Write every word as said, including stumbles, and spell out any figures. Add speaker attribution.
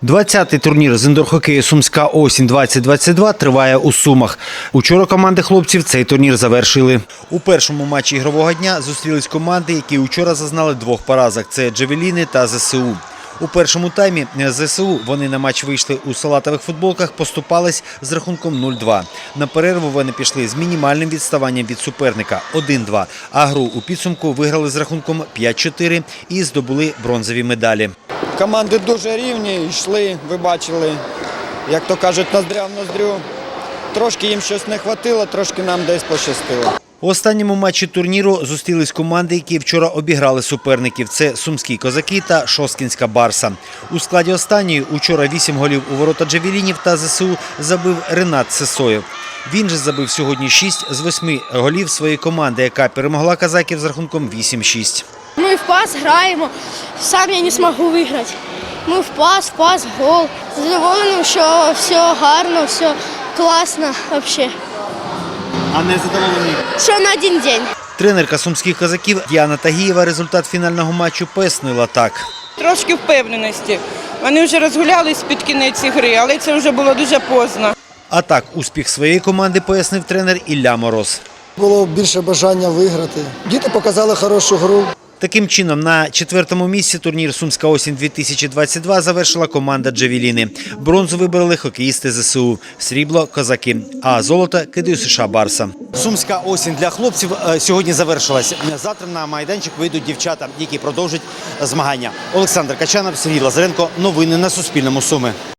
Speaker 1: двадцятий турнір з індор-хокею «Сумська осінь двадцять двадцять два» триває у Сумах. Учора команди хлопців цей турнір завершили. У першому матчі ігрового дня зустрілись команди, які учора зазнали двох поразок – це «Джавеліни» та «ЗСУ». У першому таймі ЗСУ вони на матч вийшли у салатових футболках, поступались з рахунком нуль-два. На перерву вони пішли з мінімальним відставанням від суперника – один-два, а гру у підсумку виграли з рахунком п'ять-чотири і здобули бронзові медалі.
Speaker 2: Команди дуже рівні, йшли, ви бачили, як то кажуть, ноздря в ноздрю. Трошки їм щось не вистачило, трошки нам десь пощастило.
Speaker 1: У останньому матчі турніру зустрілись команди, які вчора обіграли суперників. Це «Сумські козаки» та «Шосткінська барса». У складі останньої учора вісім голів у ворота «Джавелінів» та ЗСУ забив Ренат Сисоєв. Він же забив сьогодні шість з восьми голів своєї команди, яка перемогла казаків з рахунком вісім-шість.
Speaker 3: Ми в пас граємо, сам я не зможу виграти. Ми в пас, в пас, гол. Задоволений, що все гарно, все класно взагалі.
Speaker 1: А не задоволені?
Speaker 3: Що на один день.
Speaker 1: Тренерка «Сумських козаків» Діана Тагієва результат фінального матчу пояснила так.
Speaker 4: Трошки впевненості. Вони вже розгулялись під кінець гри, але це вже було дуже поздно.
Speaker 1: А так, успіх своєї команди пояснив тренер Ілля Мороз.
Speaker 5: Було більше бажання виграти. Діти показали хорошу гру.
Speaker 1: Таким чином, на четвертому місці турнір «Сумська осінь дві тисячі двадцять два» завершила команда «Джавеліни». Бронзу вибрали хокеїсти ЗСУ, срібло – козаки, а золото – КДЮСШ «Барса». Сумська осінь для хлопців сьогодні завершилась. Завтра на майданчик вийдуть дівчата, які продовжать змагання. Олександр Качанов, Сергій Лазаренко. Новини на Суспільному. Суми.